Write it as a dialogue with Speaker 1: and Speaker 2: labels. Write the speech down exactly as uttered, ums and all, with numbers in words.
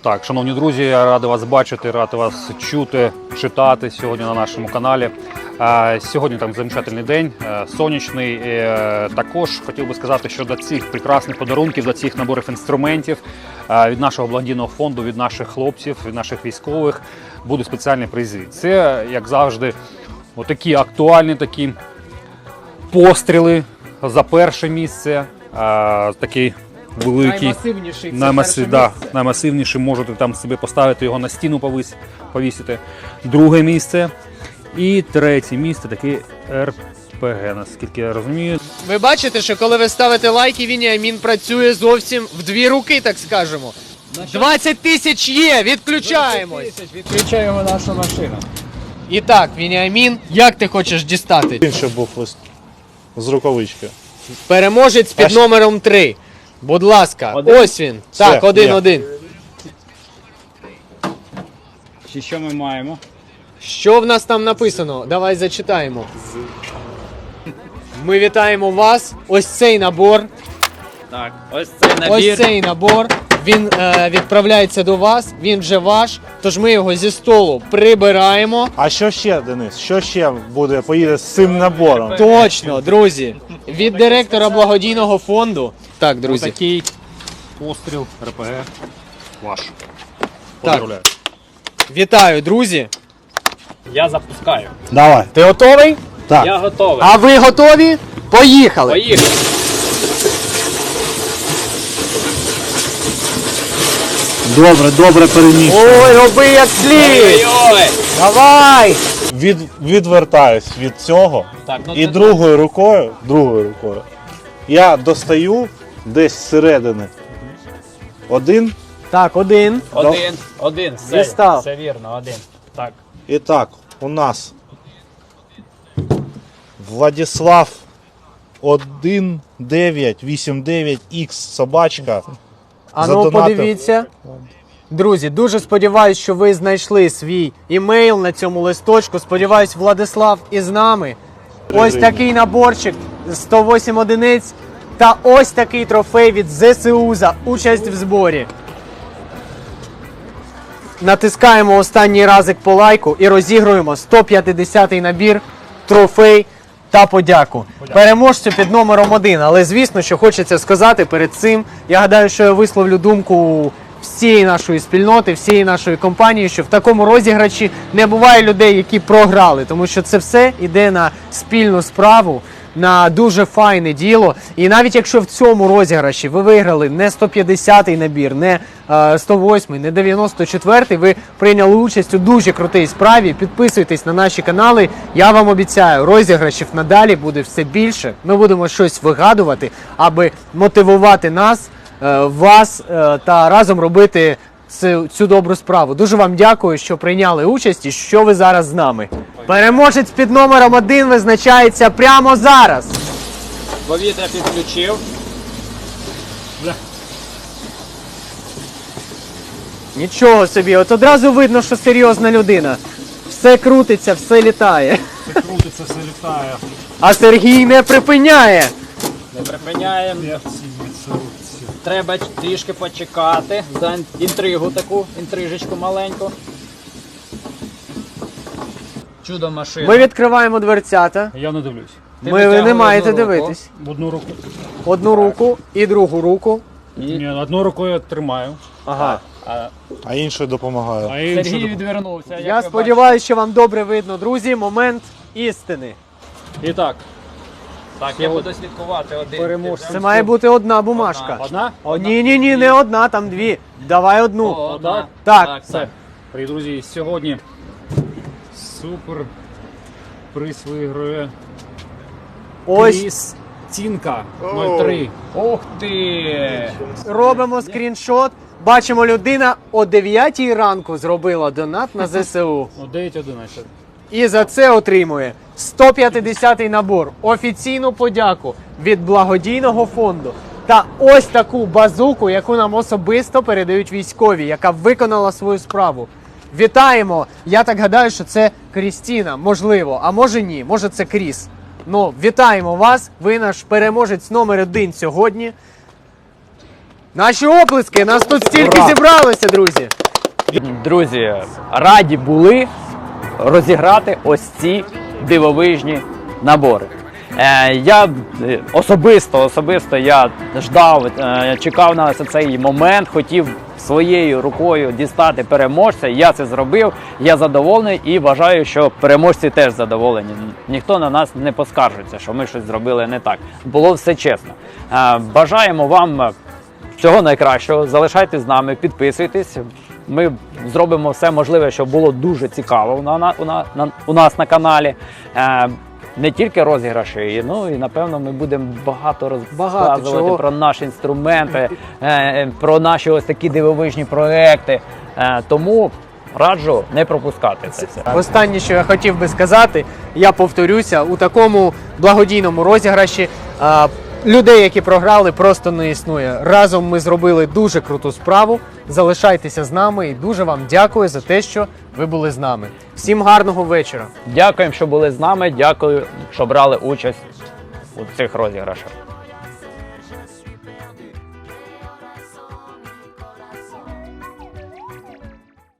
Speaker 1: Так, шановні друзі, я радий вас бачити, радий вас чути, читати сьогодні на нашому каналі. Сьогодні там замечательний день, сонячний. Також хотів би сказати, що до цих прекрасних подарунків, до цих наборів інструментів від нашого благодійного фонду, від наших хлопців, від наших військових будуть спеціальні призи. Це, як завжди, отакі актуальні такі постріли за перше місце, такий великий,
Speaker 2: наймасивніший,
Speaker 1: наймасив, да, наймасивніший, можете там собі поставити його на стіну, повис, повісити. Друге місце і третє місце, такий ер пе ге, наскільки я розумію.
Speaker 2: Ви бачите, що коли ви ставите лайки, Веніамін працює зовсім в дві руки, так скажемо. двадцять тисяч є, відключаємось.
Speaker 3: Відключаємо нашу машину.
Speaker 2: І так, Веніамін, як ти хочеш дістати?
Speaker 4: Інший був лист з рукавички.
Speaker 2: Переможець під
Speaker 4: Аж-
Speaker 2: номером три. Будь ласка,
Speaker 3: Один?
Speaker 2: ось він.
Speaker 4: Все,
Speaker 2: Так, один,
Speaker 4: є.
Speaker 2: один.
Speaker 3: Чи що ми маємо?
Speaker 2: Що в нас там написано? Давай зачитаємо. Ми вітаємо вас. Ось цей набор.
Speaker 3: Так, ось цей набір.
Speaker 2: Ось цей набор. Він е, відправляється до вас, він вже ваш. Тож ми його зі столу прибираємо.
Speaker 4: А що ще, Денис? Що ще буде, поїде з цим набором?
Speaker 2: Точно, друзі. Від директора благодійного фонду. Так, друзі.
Speaker 1: Такий постріл ер пе ге ваш.
Speaker 2: Так.
Speaker 1: Поздравляю.
Speaker 2: Вітаю, друзі.
Speaker 3: Я запускаю.
Speaker 4: Давай.
Speaker 2: Ти готовий?
Speaker 4: Так.
Speaker 3: Я готовий.
Speaker 2: А ви готові? Поїхали!
Speaker 3: Поїхали.
Speaker 4: Добре, добре переміг.
Speaker 2: Ой, роби як слід!
Speaker 3: Ой-ой-ой.
Speaker 2: Давай!
Speaker 4: Від, відвертаюсь від цього.
Speaker 3: Так, ну
Speaker 4: І
Speaker 3: це-
Speaker 4: другою рукою, другою рукою, я достаю десь зсередини. Один.
Speaker 2: Так, один.
Speaker 3: Один, один, все,
Speaker 2: Дістав.
Speaker 3: все вірно, один. Так.
Speaker 4: І так, у нас Владислав один дев'ять вісім дев'ять ікс собачка.
Speaker 2: А ну
Speaker 4: задонатив.
Speaker 2: подивіться. Друзі, дуже сподіваюсь, що ви знайшли свій імейл на цьому листочку. Сподіваюсь, Владислав із нами. Ось такий наборчик сто вісім одиниць та ось такий трофей від зе се у за участь в зборі. Натискаємо останній разик по лайку і розігруємо сто п'ятдесятий набір, трофей та подяку. Переможцю під номером один. Але звісно, що хочеться сказати перед цим. Я гадаю, що я висловлю думку всієї нашої спільноти, всієї нашої компанії, що в такому розіграші не буває людей, які програли. Тому що це все йде на спільну справу, на дуже файне діло. І навіть якщо в цьому розіграші ви виграли не сто п'ятдесятий набір, не е, сто восьмий, не дев'яносто четвертий, ви прийняли участь у дуже крутій справі. Підписуйтесь на наші канали. Я вам обіцяю, розіграшів надалі буде все більше. Ми будемо щось вигадувати, аби мотивувати нас, е, вас е, та разом робити цю, цю добру справу. Дуже вам дякую, що прийняли участь і що ви зараз з нами. Переможець під номером один визначається прямо зараз.
Speaker 3: Повітря підключив.
Speaker 2: Нічого собі, от одразу видно, що серйозна людина. Все крутиться, все літає.
Speaker 1: Все крутиться, все літає.
Speaker 2: А Сергій не припиняє.
Speaker 3: Не припиняємо. Треба трішки почекати. За інтригу таку, інтрижечку маленьку. Чудо машина.
Speaker 2: Ми відкриваємо дверцята.
Speaker 1: Я не дивлюсь.
Speaker 3: Ти
Speaker 2: Ми, ви не
Speaker 3: витягуй
Speaker 2: маєте
Speaker 3: одну руку.
Speaker 2: дивитись.
Speaker 1: В одну руку.
Speaker 2: Одну руку і другу руку.
Speaker 1: Ні, одну рукою я тримаю,
Speaker 2: Ага.
Speaker 3: А
Speaker 4: А іншою допомагаю.
Speaker 1: а іншу
Speaker 3: Сергій
Speaker 1: доп-
Speaker 3: відвернувся. як
Speaker 2: Я
Speaker 3: ви
Speaker 2: сподіваюся, що вам добре видно, друзі. Момент істини.
Speaker 1: І так,
Speaker 3: бачите. Так, я буду слідкувати один.
Speaker 1: Переможцем.
Speaker 3: Ти
Speaker 2: Це має бути одна бумажка.
Speaker 1: одна?
Speaker 2: О, ні, ні, ні, не одна, там дві. Давай одну.
Speaker 3: О, одна.
Speaker 2: Так.
Speaker 3: Так,
Speaker 1: Все.
Speaker 3: так.
Speaker 1: Привіт, друзі, сьогодні супер приз виграє
Speaker 2: Ось
Speaker 1: Кріс Тінка нуль три.
Speaker 3: Ух ти!
Speaker 2: робимо скріншот. Бачимо, людина о дев'ятій ранку зробила донат на зе се у.
Speaker 1: О, дев'ять одинадцять.
Speaker 2: І за це отримує сто п'ятдесятий набор, офіційну подяку від благодійного фонду та ось таку базуку, яку нам особисто передають військові, яка виконала свою справу. Вітаємо! Я так гадаю, що це Крістіна, можливо, а може ні, може це Кріс. Ну, вітаємо вас, ви наш переможець номер один сьогодні. Наші оплески, нас тут стільки
Speaker 5: Ура!
Speaker 2: зібралося, друзі.
Speaker 5: Друзі, раді були розіграти ось ці дивовижні набори. Е, я е, особисто, особисто я ждав, е, чекав на ось цей момент, хотів своєю рукою дістати переможця. Я це зробив, я задоволений і вважаю, що переможці теж задоволені. Ніхто на нас не поскаржиться, що ми щось зробили не так. Було все чесно. Е, бажаємо вам всього найкращого. Залишайтесь з нами, підписуйтесь. Ми зробимо все можливе, щоб було дуже цікаво на, на, на, на, у нас на каналі. Е, не тільки розіграші, ну і напевно ми будемо багато розказувати
Speaker 2: чого.
Speaker 5: про наші інструменти, е, про наші ось такі дивовижні проекти. Е, тому раджу не пропускати це все.
Speaker 2: Останнє, що я хотів би сказати, я повторюся, у такому благодійному розіграші а, людей, які програли, просто не існує. Разом ми зробили дуже круту справу. Залишайтеся з нами і дуже вам дякую за те, що ви були з нами. Всім гарного вечора.
Speaker 5: Дякуємо, що були з нами. Дякую, що брали участь у цих розіграшах.